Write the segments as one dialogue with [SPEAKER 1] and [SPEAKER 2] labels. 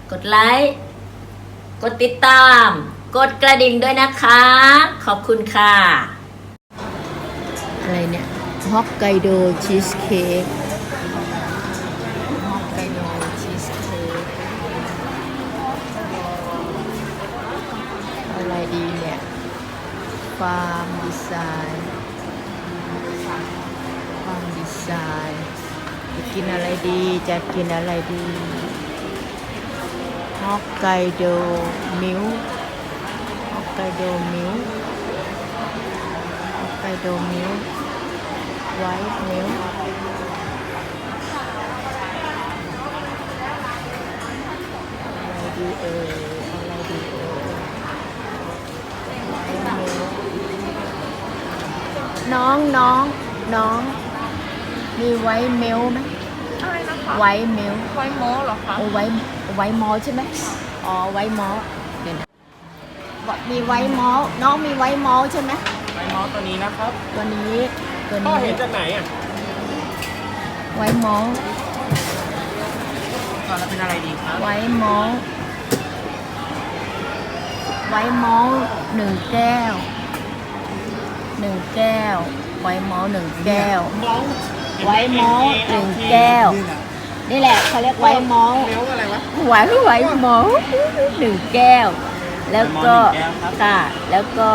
[SPEAKER 1] กดไลค์กดติดตาม กดกระดิ่งด้วยนะคะ ขอบคุณค่ะอะไรเนี่ยฮอกไกโดชีสเค้กฮอกไกโดชีสเค้กอะไรดีเนี่ยฟาร์มดีไซน์จะกินอะไรดีจะกินอะไรดีฮอกไกโดมิลค์ฮอกไกโดมิลค์ฮอกไกโดมิลค์ไวท์มิลค์อะไรดีอะไรดีไวท์มิลค์น้องมีไวท์มิลค์ไหม
[SPEAKER 2] อะไรนะคะ
[SPEAKER 1] ไวท์มิลค์
[SPEAKER 2] ไวท์มอลเหรอคะ
[SPEAKER 1] ไวท์มอลใช่ไหมอ๋อไวท์มอลเดี๋ยวนะมีไวท์มอลน้องมีไวท์มอลใช่ไหม
[SPEAKER 2] ไวท์มอลตัวนี้นะครับ
[SPEAKER 1] ตัวนี้
[SPEAKER 2] พ่อเห็นจากไหนอ่ะ
[SPEAKER 1] ไวท์มอล
[SPEAKER 2] ก่อนแล้วเป็นอะไรดีครับ
[SPEAKER 1] ไวท์มอลหนึ่งแก้วไวท์มอลหนึ่งแก้วไวท์มอลหนึ่งแก้วนี่แหละเขาเรียกไวท์มอล
[SPEAKER 2] เลี้ยวอะไรวะ
[SPEAKER 1] ไวท์มอลหนึ่งแก้วแล้วก็ค่ะแล้วก็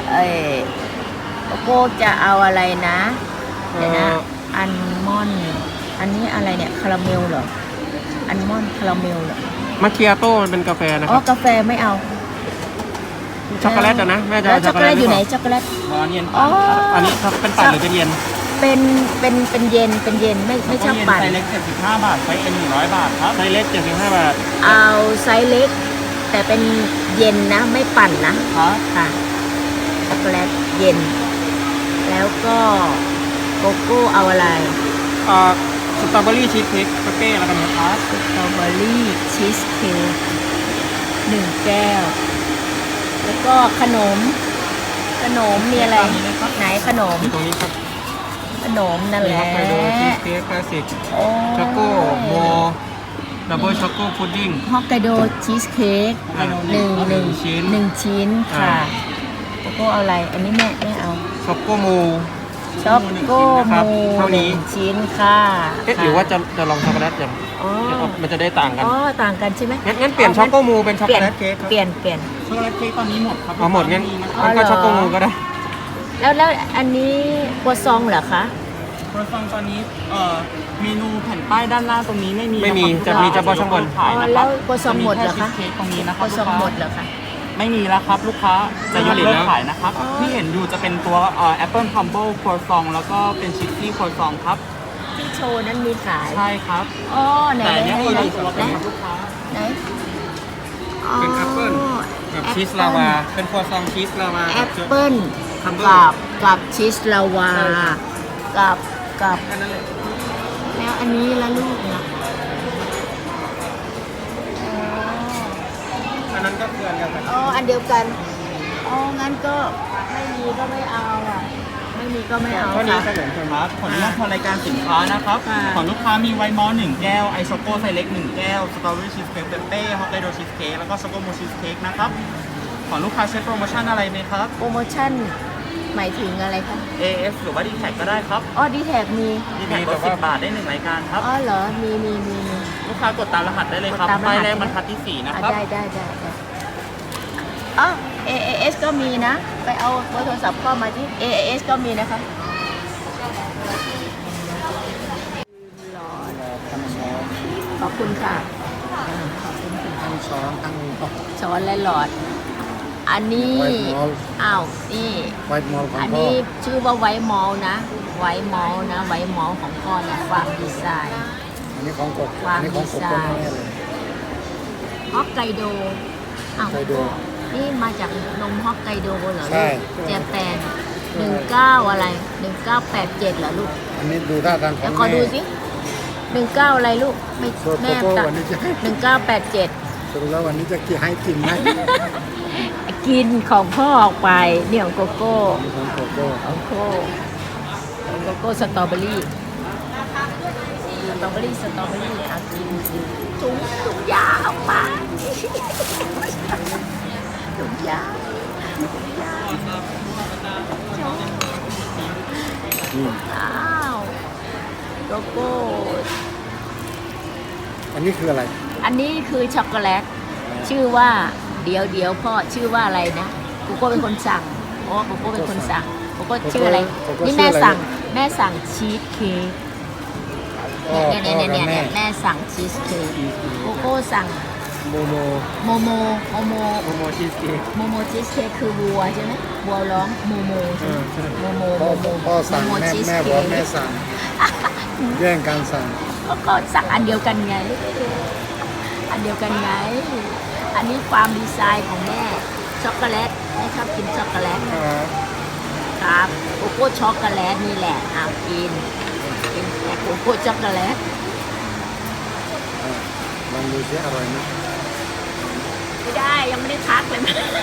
[SPEAKER 1] โก้จะเอาอะไรนะเดี๋ยวนะอัลมอนด์อันนี้อะไรเนี่ยคาราเมลเหรออัลมอนด์คาราเมลเหรอ
[SPEAKER 2] มาเคียโต้มันเป็นกาแฟนะค
[SPEAKER 1] อ๋อ
[SPEAKER 2] รับ
[SPEAKER 1] กาแฟไม่เอา
[SPEAKER 2] ช็อกโกแลตนะแม่จะ
[SPEAKER 1] ช็อกโกแลตอยู่ไหนช็อกโกแลต
[SPEAKER 2] เย็นอันนี้เป็นปั่นหรือเป็นเย็น
[SPEAKER 1] เป็นเย็นไม่ชอบปั่น
[SPEAKER 2] ไซส์เล็ก75 บาทไซส์เอ็น100 บาทครับไซส์เล็ก75 บาท
[SPEAKER 1] เอาไซส์เล็กแต่เป็นเย็นนะไม่ปั่นนะครับค่ะช็อกโกแลตเย็นแล้วก็โกโก้เอาอะไร
[SPEAKER 2] สตรอเบอรี่ชีสเค้กเป้แล้วกันนะครับ
[SPEAKER 1] สตรอเบอรี่ชีสเค้ก1 แก้วแล้วก็ขนมมีอะไรไหนขนม
[SPEAKER 2] ตรงนี้ครับ
[SPEAKER 1] ขนมนั่นแหละ
[SPEAKER 2] ฮอกไกโดชีสเค้กคลาสสิกช็อกโกโมดับเบิลช็อกโกพุดดิ้ง
[SPEAKER 1] ฮอกไกโดชีสเค้กหนึ่งชิ้นค่ะโกโก้เอาอะไรอันนี้แม่เอา
[SPEAKER 2] ช็อกโกโม
[SPEAKER 1] 1 ชิ้นค่ะ
[SPEAKER 2] หรือว่าจะลองช็อกโกแลตอย่างมันจะได้ต่างกัน
[SPEAKER 1] ต่างกันใช่ไหม
[SPEAKER 2] งั้นเปลี่ยนช็อกโกโมเป็นช็อกโกแลตเค้ก
[SPEAKER 1] เปลี่ยน
[SPEAKER 2] ช็อกโกแลตเค้กตอนนี้หมดครับหมดงั้นก็ช็อกโกโมก็ได้
[SPEAKER 1] แล้วอันนี้กัวซองเหรอคะ
[SPEAKER 2] กัวซองตอนนี้เมนูแผ่นป้ายด้านล่างตรงนี้ไม่มีจะมีเฉพาะช่องบน
[SPEAKER 1] แล้วกัวซองหมดเหรอคะ
[SPEAKER 2] ตรงนี้นะครับ
[SPEAKER 1] กัวซองหมดเหรอคะ
[SPEAKER 2] ไม่มีแล้วครับลูกค้าจะยกเลิกขายนะครับที่เห็นอยู่จะเป็นตัวApple Crumble ครัวซองแล้วก็เป็นชิคกี้ครัวซองครับ
[SPEAKER 1] ที่โชว์นั้นมีขาย
[SPEAKER 2] ใช่ครับ
[SPEAKER 1] ไหน
[SPEAKER 2] แต่นี่คือตัวเป็นลูกค้า
[SPEAKER 1] ไหน
[SPEAKER 2] เป็นแอปเปิ้ลกับชีสลาวาเป็นครัวซองชีสลาวา
[SPEAKER 1] แอปเปิ้ลกับชีสลาวากับแล้วอันนี้ละลูกนะ
[SPEAKER 2] อันนั้นก็คืออันเดียวกัน
[SPEAKER 1] อันเดียวกันงั้นก็ไม่มีก็ไม่เอาไม่มีก็ไม่เอา
[SPEAKER 2] ค่ะนี้ขนมเครับขออนุญาตทางรายการสินค้านะครับของลูกค้ามีไวท์มอล1 แก้วไอช็อกโกไซส์เล็ก1 แก้วสตรอเบอรี่ชีสเค้กเป้ฮอกไกโดชีสเค้กแล้วก็ช็อกโกโมชีสเค้กนะครับของลูกค้าใช้โปรโมชั่นอะไรไหมครับ
[SPEAKER 1] โปรโมชั่นหมายถึงอะไรคะ
[SPEAKER 2] AS หรือว่า D-Tag ก็ได้ครับ
[SPEAKER 1] D-Tag มี
[SPEAKER 2] D-Tag ลด10 บาทได้1 รายการครับ
[SPEAKER 1] เหรอมี
[SPEAKER 2] ลูกค้ากดตามรหัสได้เลยครับป้ายแรกบรรทัดที่4นะครับ
[SPEAKER 1] ได้AAS ก็มีนะไปเอาเบอร์โทรศัพท์เข้ามาที่ AAS ก็มีนะคะขอบคุณค่ะช้อนและหลอดอันนี้นี่อันนี้ชื่อว่าไวท์มอลนะไวท์มอลของพ่อเนี่ยฟาร์มดีไซน์
[SPEAKER 3] อันนี้ของกบ
[SPEAKER 1] ฟาร์มดีไซน์ฮอกไกโดนี่มาจากนมฮอกไกโดเหรอลูกเจแปน19อะไร1987เหรอลูก
[SPEAKER 3] อันนี้ดูท่าทางของ
[SPEAKER 1] ขอดูสิ19อะไรลูกไม่แม่ตัด1987
[SPEAKER 3] สรุปแล้ววันนี้จะให้กินไหม
[SPEAKER 1] กินของพ่อออกไปเนี่ยของโกโก้สตรอเบอรี่กินถุงยาออกมาถุงยางถุงยางโจ๊ก
[SPEAKER 3] อืม
[SPEAKER 1] อ้าวโกโก้
[SPEAKER 3] อันนี้คืออะไร
[SPEAKER 1] อันนี้คือช็อกโกแลตชื่อว่าเดี๋ยวพ่อชื่อว่าอะไรนะโกโก้เป็นคนสั่งโอ้โกโก้เป็นคนสั่งโกโก้ชื่ออะไรนี่แม่สั่งชีสเค้ก
[SPEAKER 3] พ่อ
[SPEAKER 1] เนี่ย
[SPEAKER 3] พ่อกับแม่
[SPEAKER 1] แม่สั่งชีสเค้กโกโก้สั่ง
[SPEAKER 3] โมโม
[SPEAKER 1] โมโม
[SPEAKER 3] ชีสเค้ก
[SPEAKER 1] โมโมชีสเค้กคือวัวใช่ไหมวัวร้องโมโมใช่ไหมโมโม
[SPEAKER 3] พ่อสั่ง
[SPEAKER 1] โม
[SPEAKER 3] แม่
[SPEAKER 1] ชีส
[SPEAKER 3] แม่บ
[SPEAKER 1] เค้
[SPEAKER 3] อก
[SPEAKER 1] ก
[SPEAKER 3] แม่สั่งแย่งกันสั่ง
[SPEAKER 1] ก็สั่งอันเดียวกันไง อันเดียวกันไง อันนี้ความดีไซน์ของแม่ช็อกโกแลตแม่ชอบกินช็อกโกแลตครับโกโก้ช็อกโกแลตนี่แหละเอากินแต่โกโก้ช็อกโกแลต
[SPEAKER 3] ลองดูสิอร่อยไหม
[SPEAKER 1] ไม่ได้ยังไม่ได้ทักเลย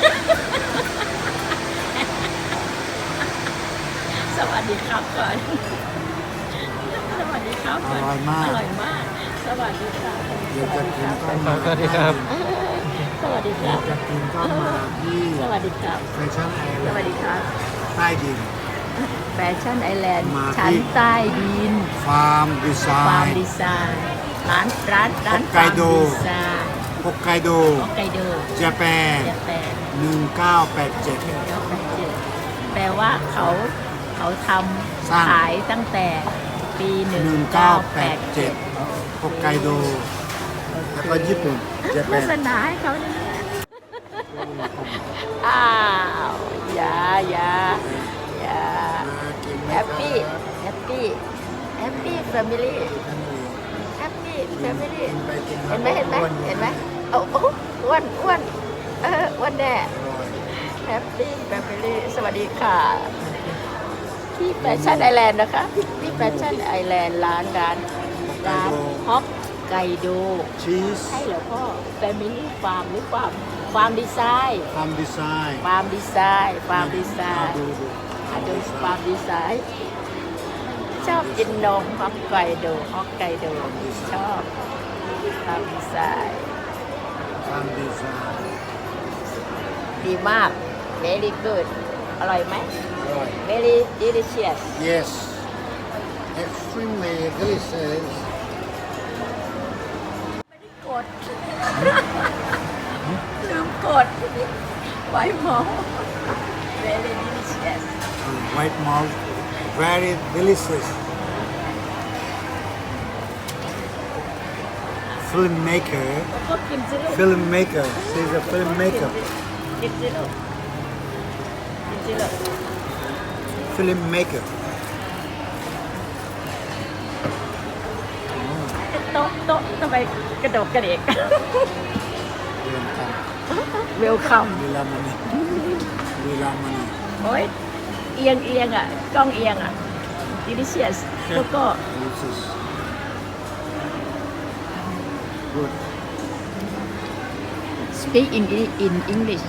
[SPEAKER 1] สวัสดีครับก่อนสวัสดีครับ
[SPEAKER 3] อ
[SPEAKER 1] ก่อน
[SPEAKER 3] ร่อยมาก
[SPEAKER 1] อร่อยมาก สวัสดีครับ
[SPEAKER 3] เดี๋ยวจะกินก็มา
[SPEAKER 4] สวัสดีครับ
[SPEAKER 1] สวัสดีครับ
[SPEAKER 3] จะกินก็มาที่
[SPEAKER 1] สวัสดีครับ
[SPEAKER 3] แฟชั่นไอ
[SPEAKER 1] ส
[SPEAKER 3] แล
[SPEAKER 1] วัส
[SPEAKER 3] น
[SPEAKER 1] ดี
[SPEAKER 3] ด์
[SPEAKER 1] ครับ
[SPEAKER 3] ใต้ดิน
[SPEAKER 1] แฟชั่นไอแลนด์
[SPEAKER 3] มาที่
[SPEAKER 1] ชั้นใต้ดิน
[SPEAKER 3] ฟาร์มดีไซ
[SPEAKER 1] ฟาร์ม
[SPEAKER 3] น์
[SPEAKER 1] ดีไซน์ร้าน
[SPEAKER 3] ฮอกไก
[SPEAKER 1] ฟาร์ม
[SPEAKER 3] โด
[SPEAKER 1] ดีไซน์
[SPEAKER 3] ฮอกไกโด
[SPEAKER 1] ฮอกไกโด
[SPEAKER 3] เจแปน
[SPEAKER 1] เจแปน
[SPEAKER 3] 1987
[SPEAKER 1] แปลว่าเขาท
[SPEAKER 3] สร้าง
[SPEAKER 1] ำขายตั้งแต่ปี
[SPEAKER 3] 1987ฮอกไกโดแล้วก็ญี่ปุ่นเจ
[SPEAKER 1] โฆ
[SPEAKER 3] แปน
[SPEAKER 1] ษณาให้เขาเนี่ยอ้าวอย่าแฮปปี้แฮปปี้แฟมิลี่แฮปปี้แฟมิลี่เห็นไหมโอ้อ้วนอ้วนแน่แฮปปี้แฟมิลี่สวัสดีค่ะที่แฟชั่นไอแลนด์นะคะที่แฟชั่นไอแลนด์ร้านฮอกไกโด
[SPEAKER 3] ชีส
[SPEAKER 1] ใช่เหรอพ่อแฟมิลี่ฟาร์มหรือฟาร์มดีไซน์
[SPEAKER 3] ฟาร์มดีไซน์
[SPEAKER 1] ฟาร์มดีไซน์
[SPEAKER 3] ดู
[SPEAKER 1] อาดูฟาร์มดีไซน์ชอบกินนมฮอกไกโดชอบฟาร์มดีไซน์
[SPEAKER 3] ฟาร์มดีไซน์
[SPEAKER 1] ดีมาก very good อร่อยไหม
[SPEAKER 3] อร่อย
[SPEAKER 1] very delicious
[SPEAKER 3] yes extremely delicious
[SPEAKER 1] กด ลืมกด ไว้หมอ very delicious
[SPEAKER 3] white malt very delicious filmmaker
[SPEAKER 1] ก็กินสิลูก
[SPEAKER 3] filmmaker she's a filmmaker
[SPEAKER 1] กินสิลูกกินสิลูก
[SPEAKER 3] filmmaker
[SPEAKER 1] โต๊ะทำไมกระโดดกระเดก
[SPEAKER 3] เรียนกัน
[SPEAKER 1] เวลคัม
[SPEAKER 3] ลีลามณีลีลามณี
[SPEAKER 1] โอ้ยเอียงอ่ะกล้องเอียงอ่ะ delicious แล้วก็
[SPEAKER 3] delicious good
[SPEAKER 1] speak in English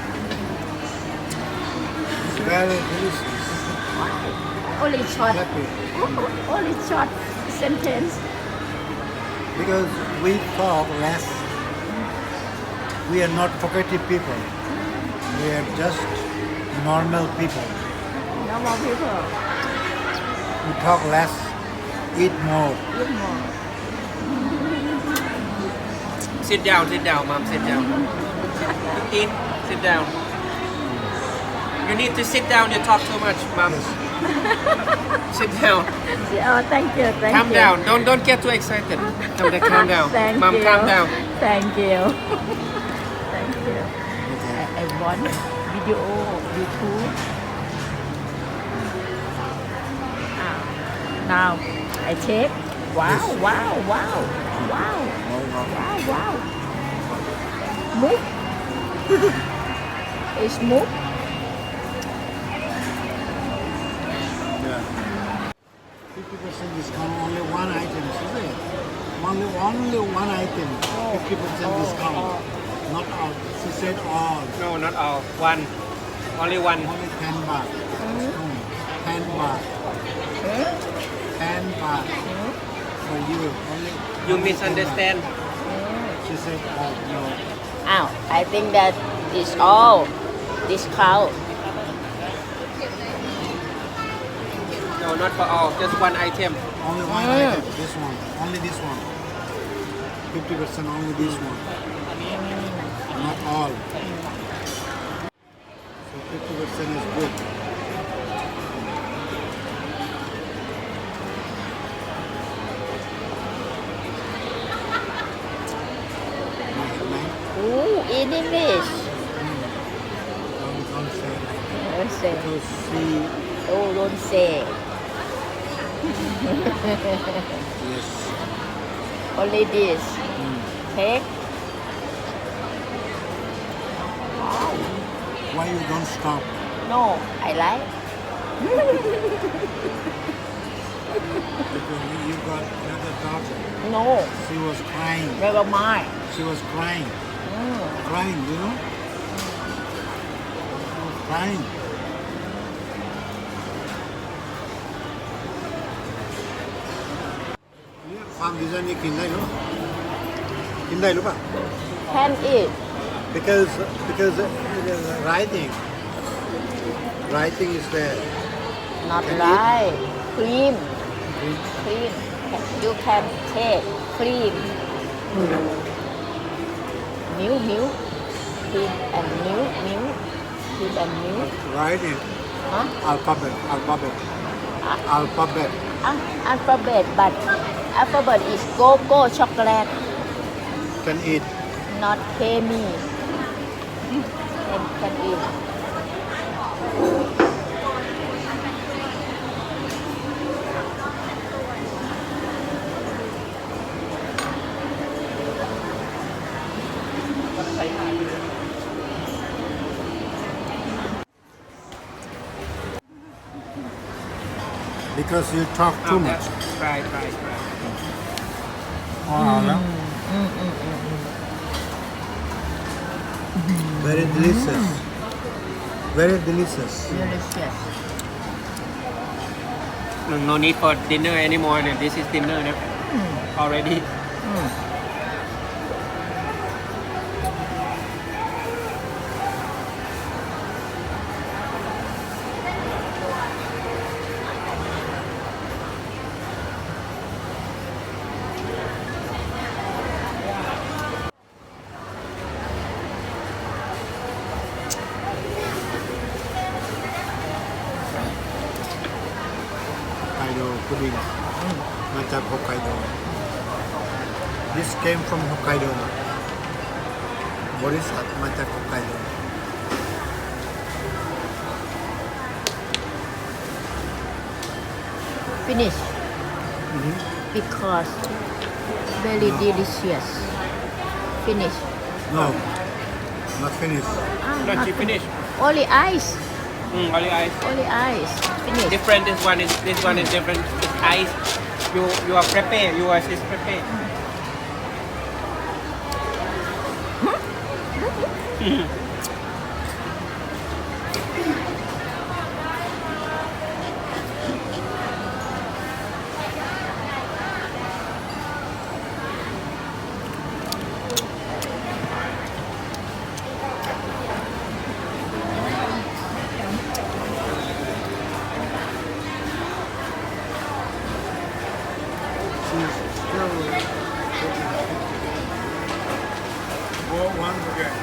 [SPEAKER 3] very delicious
[SPEAKER 1] only short
[SPEAKER 3] happy
[SPEAKER 1] only short sentence
[SPEAKER 3] because we talk less we are not talkative people we are just normal people
[SPEAKER 1] normal people
[SPEAKER 3] we talk less eat more
[SPEAKER 1] eat more
[SPEAKER 4] Sit down, mom, sit down. Eat, sit down. You need to sit down, you talk too much, mom. Sit down.
[SPEAKER 1] oh thank you
[SPEAKER 4] Calm down. Don't get too excited. Calm down.
[SPEAKER 1] Thank
[SPEAKER 4] Mom,
[SPEAKER 1] you.
[SPEAKER 4] calm down.
[SPEAKER 1] Thank you. Thank you. I want video YouTube. Now I take. Wow. Move. It's move.
[SPEAKER 3] yeah 50% discount only one item is it only one item 50% discount not all she said all
[SPEAKER 4] No, not all. One. Only one.
[SPEAKER 3] only 10 baht 10 baht 10 baht for you only
[SPEAKER 4] You
[SPEAKER 3] 10 baht.
[SPEAKER 4] misunderstand.
[SPEAKER 3] She said, oh, no,
[SPEAKER 1] อ้าว I think that is all discount
[SPEAKER 4] No, not for all. Just one item.
[SPEAKER 3] Only one item. This one. Only this one. 50% only this one. Not all. So 50% is good.
[SPEAKER 1] Ooh, in English
[SPEAKER 3] Don't say.
[SPEAKER 1] don't say
[SPEAKER 3] Because she,
[SPEAKER 1] oh don't say
[SPEAKER 3] yes.
[SPEAKER 1] only this take
[SPEAKER 3] Why you don't stop?
[SPEAKER 1] no I like
[SPEAKER 3] Because you got another daughter.
[SPEAKER 1] no
[SPEAKER 3] She was crying.
[SPEAKER 1] never mind
[SPEAKER 3] She was crying. Crying, you know? She was crying.เนี่ยความดีไซน์นี้กินได้หรือกินได้หรือเปล่า
[SPEAKER 1] can eat
[SPEAKER 3] because writing is there.
[SPEAKER 1] not
[SPEAKER 3] Can
[SPEAKER 1] right cream you can take cream milk cream and milk cream and milk
[SPEAKER 3] Writing
[SPEAKER 1] huh?
[SPEAKER 3] alphabet.
[SPEAKER 1] Alphabet but alphabet is cocoa chocolate
[SPEAKER 3] Can eat.
[SPEAKER 1] not creamy and can eat
[SPEAKER 3] Because you talk too
[SPEAKER 4] Ah,
[SPEAKER 3] much.
[SPEAKER 4] Try.
[SPEAKER 3] อ๋อแล้ว Very delicious. Very delicious.
[SPEAKER 1] delicious
[SPEAKER 4] No need for dinner anymore. This is dinner now. Already.
[SPEAKER 3] Hokkaido pudding. มาจาก Hokkaido. This came from Hokkaido. บริษัทมาจาก Hokkaido.
[SPEAKER 1] finish because very delicious finish
[SPEAKER 3] No, not finished.
[SPEAKER 4] No, she finished.
[SPEAKER 1] only ice
[SPEAKER 4] Only ice.
[SPEAKER 1] finish
[SPEAKER 4] Different. This one is different. It's ice. You are prepare. Yours is prepare.
[SPEAKER 3] She's still Go once again.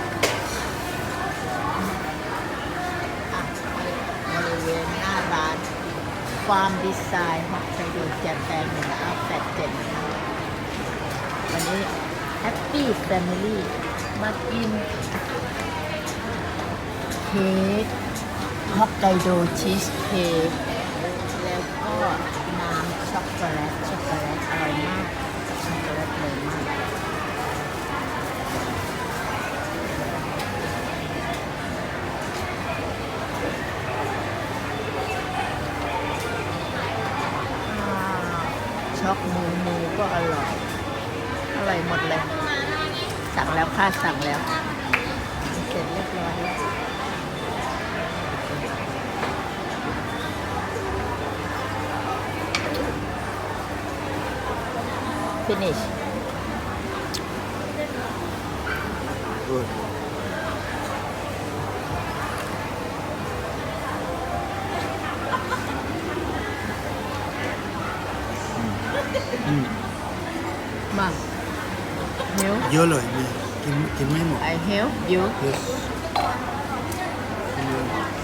[SPEAKER 1] บริเวณหน้าร้านฟาร์มดีไซน์ฮอกไกโดแจแปน1987วันนี้แฮปปี้แฟมิลี่มากินเค้กฮอกไกโดชีสเค้กแล้วก็น้ำช็อกโกแลตอร่อยมากช็อกโกแลตเลยมาก ช็อกหมูก็อร่อยหมดเลย สั่งแล้วค่ะสั่งแล้วเสร็จเรียบร้อยแล้ว finish
[SPEAKER 3] good.
[SPEAKER 1] Mà Hiếu,
[SPEAKER 3] เยอะเลยมีกินไม่หมด
[SPEAKER 1] I help you.
[SPEAKER 3] yes กินเลย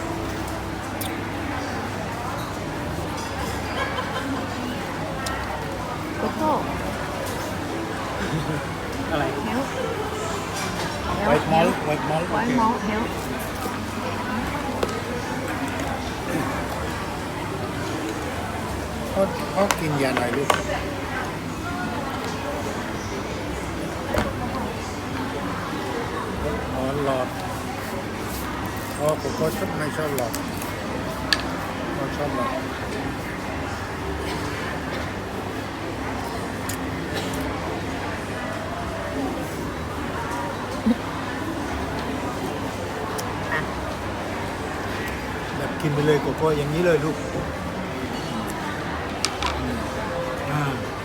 [SPEAKER 1] Coco.
[SPEAKER 2] อะไร
[SPEAKER 1] Help.
[SPEAKER 3] ไวท์มอลไวท์มอล
[SPEAKER 1] One more help.
[SPEAKER 3] เขากินยาหน่อยลูกอ๋อหลอดผมก็ชอบไม่ชอบหลอดเขาชอบหลอด
[SPEAKER 1] อ่ะ
[SPEAKER 3] แบบกินไปเลยโกโก้อย่างนี้เลยลูกอ่า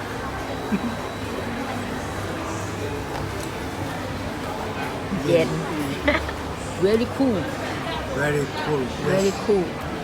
[SPEAKER 1] เย็น very cool
[SPEAKER 3] very cool
[SPEAKER 1] very cool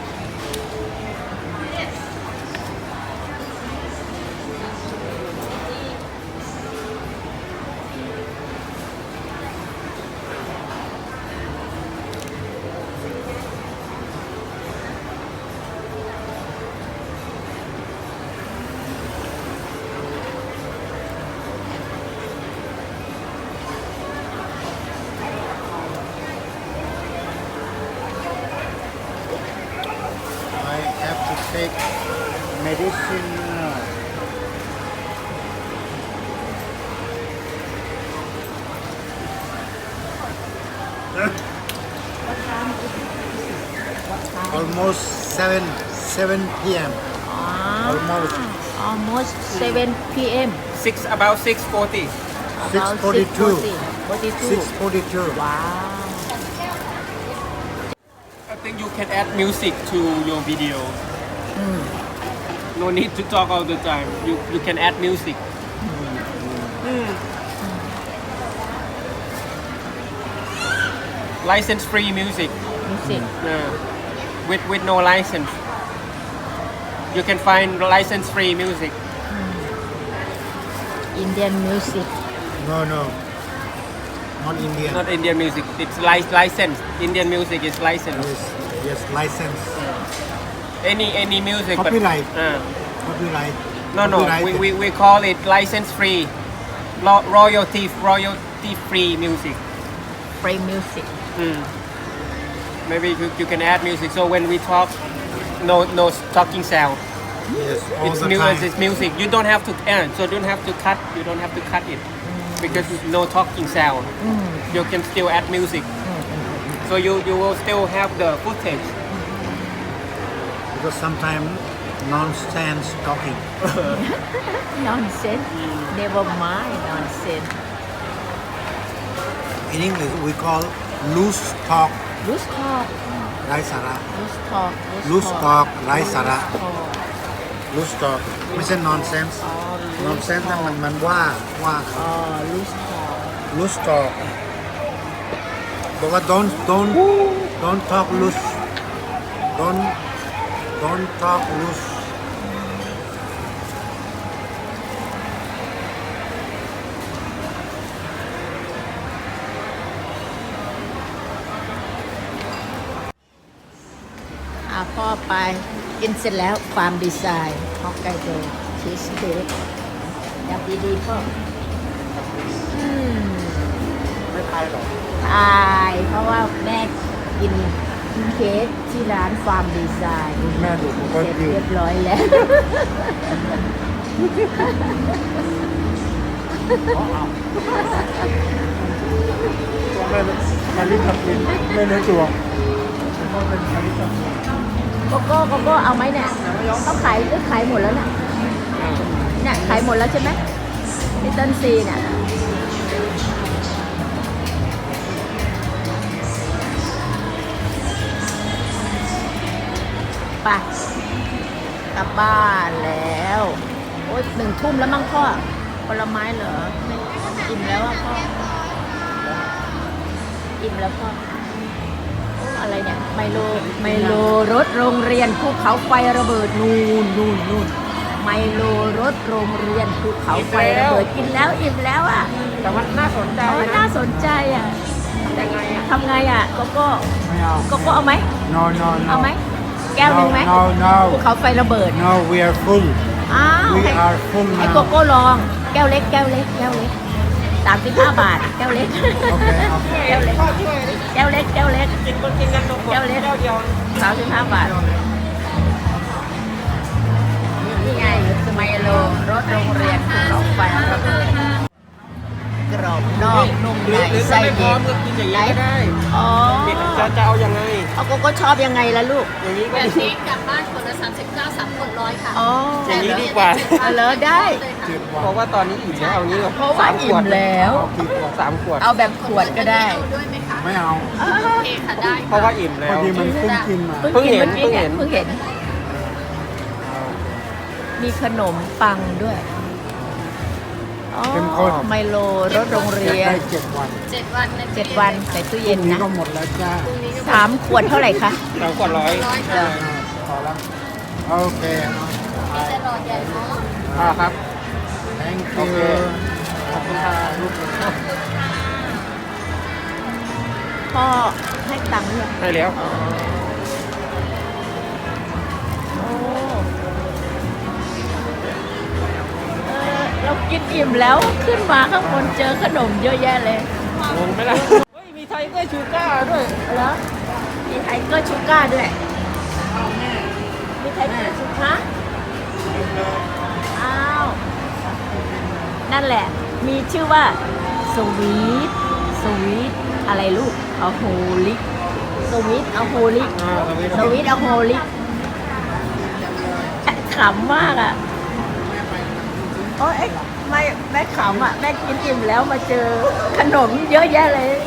[SPEAKER 3] I have to take medicine now. Almost 7 p.m.
[SPEAKER 1] almost 7 p.m.
[SPEAKER 4] About 6:40.
[SPEAKER 1] About
[SPEAKER 3] 6:42.
[SPEAKER 1] 42.
[SPEAKER 3] 6:42.
[SPEAKER 1] Wow.
[SPEAKER 4] I think you can add music to your video. No need to talk all the time. You can add music. License free music.
[SPEAKER 1] Music.
[SPEAKER 4] With no license. You can find license free music.
[SPEAKER 1] Indian music.
[SPEAKER 3] No. Not Indian.
[SPEAKER 4] Not Indian music. It's licensed. Indian music is licensed.
[SPEAKER 3] Yes, license.
[SPEAKER 4] Any music.
[SPEAKER 3] Copyright.
[SPEAKER 4] But,
[SPEAKER 3] Copyright.
[SPEAKER 4] no.
[SPEAKER 3] Copyrighted.
[SPEAKER 4] We call it license free. Royalty free music.
[SPEAKER 1] Free music.
[SPEAKER 4] Maybe you can add music. So when we talk, no talking sound.
[SPEAKER 3] Yes, all
[SPEAKER 4] It's
[SPEAKER 3] the
[SPEAKER 4] new
[SPEAKER 3] time.
[SPEAKER 4] as it's music. You don't have to so don't have to cut. You don't have to cut it because no talking sound. You can still add music. So you will still have the footage.
[SPEAKER 3] Because sometimes nonsense talking.
[SPEAKER 1] Nonsense. Never mind nonsense.
[SPEAKER 3] In English, we call loose talk,
[SPEAKER 1] Loose talk.
[SPEAKER 3] ไร้สาระ
[SPEAKER 1] Loose talk.
[SPEAKER 3] Loose talk ไร้สาระ
[SPEAKER 1] Loose talk.
[SPEAKER 3] loose talk ไม่ใช่ nonsense
[SPEAKER 1] อ๋อ
[SPEAKER 3] nonsense นั่นมันว่า
[SPEAKER 1] loose talk.
[SPEAKER 3] loose talk บอกว่า don't talk loose don't talk loose
[SPEAKER 1] พ่อไปกินเสร็จแล้วฟาร์มดีไซน์ฮอกไกโดชีสเค้กยับดีๆพ่อ
[SPEAKER 3] ไม่ทายหรอ
[SPEAKER 1] ตายเพราะว่าแม่กินเค้กที่ร้านฟาร์มดีไซน์
[SPEAKER 3] แม่ดูผมก็
[SPEAKER 1] เสร็จ
[SPEAKER 3] ยื
[SPEAKER 1] เรี
[SPEAKER 3] น
[SPEAKER 1] ยบร้อยแล้ว
[SPEAKER 3] ตัวแม่มาลิทับลินไม่เนื้อตัวก็เป็นมาลิทับ
[SPEAKER 1] โกโก้เอาไหมเนี่ยเขาขายหมดแล้วเนี่ยขายหมดแล้วใช่ไหมลิตเติ้ลซีเนี่ยไปกลับบ้านแล้วโอ๊ย1 ทุ่มแล้วมั้งพ่อผลไม้เหรอไม่อิ่มแล้วอ่ะพ่ออิ่มแล้วก็โอ้อะไรเนี่ยไมโลรถโรงเรียนภูเขาไฟระเบิดนู่นไมโลรถโรงเรียนภูเขาไฟระเบิดกินแล้วอิ่มแล้วอ่ะ
[SPEAKER 4] แต่ว่าน่าสนใจ
[SPEAKER 1] โอ้
[SPEAKER 4] นะ
[SPEAKER 1] น่าสนใจอ่ะ
[SPEAKER 4] ยังไงอ่ะ
[SPEAKER 1] ทำไงอ่ะโกโก้
[SPEAKER 3] ไม่เอา
[SPEAKER 1] โกโก้เอาไหม
[SPEAKER 3] no no no
[SPEAKER 1] เอาไหมแก้วหนึ่งไหม
[SPEAKER 3] no no
[SPEAKER 1] ภูเขาไฟระเบิด
[SPEAKER 3] no we are full
[SPEAKER 1] อ้าว
[SPEAKER 3] we
[SPEAKER 1] ให้
[SPEAKER 3] are full
[SPEAKER 1] ให้โก
[SPEAKER 3] now
[SPEAKER 1] โก้ลองแก้วเล็ก35 บาทแก้วเล็ก
[SPEAKER 3] โอเคโอเค
[SPEAKER 1] แก้วเล็ก
[SPEAKER 4] พ่อช่วยดิ
[SPEAKER 1] แก้วเล็ก
[SPEAKER 4] กินกันตรงหมด
[SPEAKER 1] แก้วเล็ก
[SPEAKER 4] แก้วเดียว
[SPEAKER 1] 35 บาทนี่ไงสมัยโลรถโรงเรียนภูเขาไฟระเบิดกรอบนอกนุ่ม
[SPEAKER 4] ห
[SPEAKER 1] ใน
[SPEAKER 4] รือถ้า
[SPEAKER 1] ไส้
[SPEAKER 4] ไม่พร้
[SPEAKER 1] เย็
[SPEAKER 4] อม
[SPEAKER 1] น
[SPEAKER 4] ก็กินอย่างนี้ก็ได้
[SPEAKER 1] อ๋อ
[SPEAKER 4] จะเอายังไง
[SPEAKER 1] เอาโกโก้ชอบยังไงล่ะลูก
[SPEAKER 4] อย่างนี้ก็
[SPEAKER 5] แบบ
[SPEAKER 4] ดี
[SPEAKER 5] นี้กลับบ้านคนละ39 3คน100ค่ะ
[SPEAKER 1] อ๋อ
[SPEAKER 4] อย่างนี้ดีกว่า
[SPEAKER 1] เอาเลยได้
[SPEAKER 4] เพราะว่าตอนนี้อิ่มแล้วเอางี้
[SPEAKER 1] เพราะว่าอิ่มแล้ว
[SPEAKER 4] 3 ขวด
[SPEAKER 1] เอาแบบขวดก็ได้
[SPEAKER 5] เอาด้วยไหมคะ
[SPEAKER 3] ไม่เอา
[SPEAKER 1] อ้าว
[SPEAKER 5] โอเคค่ะได้
[SPEAKER 4] เพราะว่าอิ่มแล้
[SPEAKER 3] พอ
[SPEAKER 4] ว
[SPEAKER 3] ดีมันเพิ่งกินมา
[SPEAKER 1] เพิ่งเห็น
[SPEAKER 4] เพิ่งเห็น
[SPEAKER 1] เพิ่งเห็น มีขนมปังด้วยอ๋อ
[SPEAKER 3] เข้มข้น
[SPEAKER 1] ไมโลรถโรงเรียน
[SPEAKER 3] ได้7 วัน
[SPEAKER 5] 7 วันนะ
[SPEAKER 1] 7 วันใส่ตู้
[SPEAKER 3] พ
[SPEAKER 1] เย็
[SPEAKER 3] รุ่
[SPEAKER 1] น
[SPEAKER 3] งนี้
[SPEAKER 1] นะ
[SPEAKER 3] ก็หมดแล้วจ้า
[SPEAKER 1] 3 ขวดเท่าไหร่คะ
[SPEAKER 4] 3 ขวด100
[SPEAKER 1] เออ
[SPEAKER 3] พอแล้วโอเค
[SPEAKER 5] จะรอใหญ่เนาะ
[SPEAKER 4] ครับ
[SPEAKER 3] thank
[SPEAKER 4] โอ
[SPEAKER 3] you
[SPEAKER 4] เค ขอบคุณค่ะลูก
[SPEAKER 1] พ่อให้ตังค์ด้วย
[SPEAKER 4] ได้แล้ว
[SPEAKER 1] โอ้เรากินอิ่มแล้วขึ้นมาข้างบนเจอขนมเยอะแยะเลย
[SPEAKER 4] งงไหมล่ะ เฮ้ย มีไทเกอร์ชูก้าด้วย
[SPEAKER 1] แล้วมีไทเกอร์ชูก้าด้วยมีไทเกอร์ชูก้าอ้าว นั่นแหละ มีชื่อว่าสวีทอะไรลูกอะโฮลิกสวีทอะโฮลิกสวีทอะโฮลิกขำมากอ่ะโอ้ยไม่แม่ขำอ่ะแม่กินอิ่มแล้วมาเจอขนมเยอะแยะเลย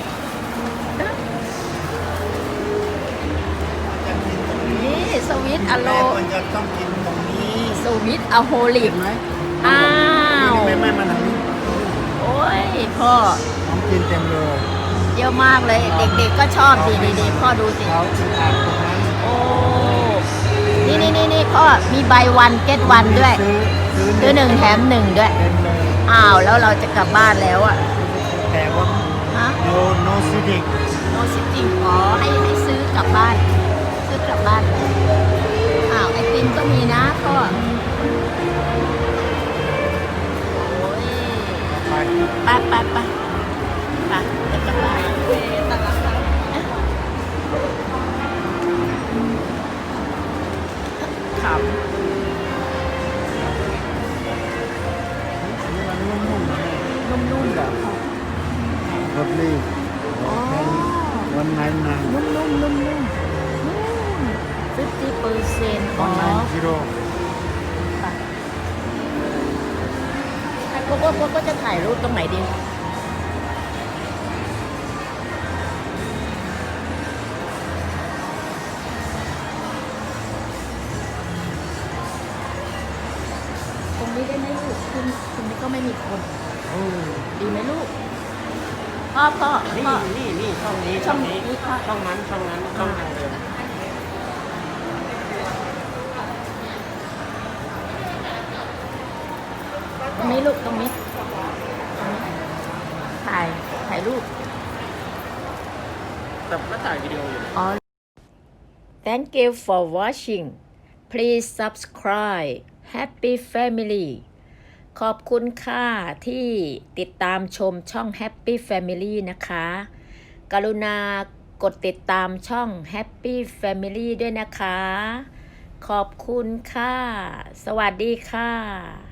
[SPEAKER 1] นี่สวีทอะโล
[SPEAKER 3] มันจะต้องกินตรงนี้
[SPEAKER 1] สวีทอะโฮลิก
[SPEAKER 3] เห็นไหม
[SPEAKER 1] อ้าว
[SPEAKER 3] ไม่มันทางนี้
[SPEAKER 1] โอ้ยพ่อ
[SPEAKER 3] ต้องกินเต็มเลย
[SPEAKER 1] เยอะมากเลย เด็กๆก็ชอบสิดีๆพ่อดูสิ
[SPEAKER 3] เขาอ่านตรงนั้น
[SPEAKER 1] โอ้นี่พ่อมีใบวันเก็ตวันด้วย ซื้อหนึ่งแถมหนึ่งด้วย
[SPEAKER 3] เต็มเลย
[SPEAKER 1] อ้าวแล้วเราจะกลับบ้านแล้วอ่ะ
[SPEAKER 3] แต่ว่า
[SPEAKER 1] ฮะ
[SPEAKER 3] no sitting
[SPEAKER 1] โนซิติ้งอ๋อให้ซื้อกลับบ้าน ซื้อกลับบ้านอ้าวไอติมก็มีนะพ่อโอ้ย
[SPEAKER 3] ไป
[SPEAKER 1] ไปจะกลับบ้านขำ
[SPEAKER 3] นี่มันนุ่มๆนะ
[SPEAKER 1] นุ่มๆเหรอ
[SPEAKER 3] รสลีวันไหนนาน
[SPEAKER 1] นุ่ม50%
[SPEAKER 3] วันไหนกิโล
[SPEAKER 1] ไอ้โกก็จะถ่ายรูปตรงไหนดีตรงนี้ได้ไหมลูกคุณนี้ก็ไม่มีคน
[SPEAKER 3] โอ้
[SPEAKER 1] ดีไหมลูกพ่อ
[SPEAKER 4] นี่
[SPEAKER 1] พ่อ
[SPEAKER 4] นี่ช่องนี้
[SPEAKER 1] ช่องนี้ค่ะ
[SPEAKER 4] ช่องนั้นช่องนั้นช่องทางเดิม
[SPEAKER 1] ตรงนี้ลูกตรงนี้ถ่ายรูป
[SPEAKER 4] แต่ก็ถ่ายวิดีโออยู่
[SPEAKER 1] อ๋อ Thank you for watching Please subscribe Happy Family ขอบคุณค่ะที่ติดตามชมช่อง Happy Family นะคะ กรุณากดติดตามช่อง Happy Family ด้วยนะคะ ขอบคุณค่ะ สวัสดีค่ะ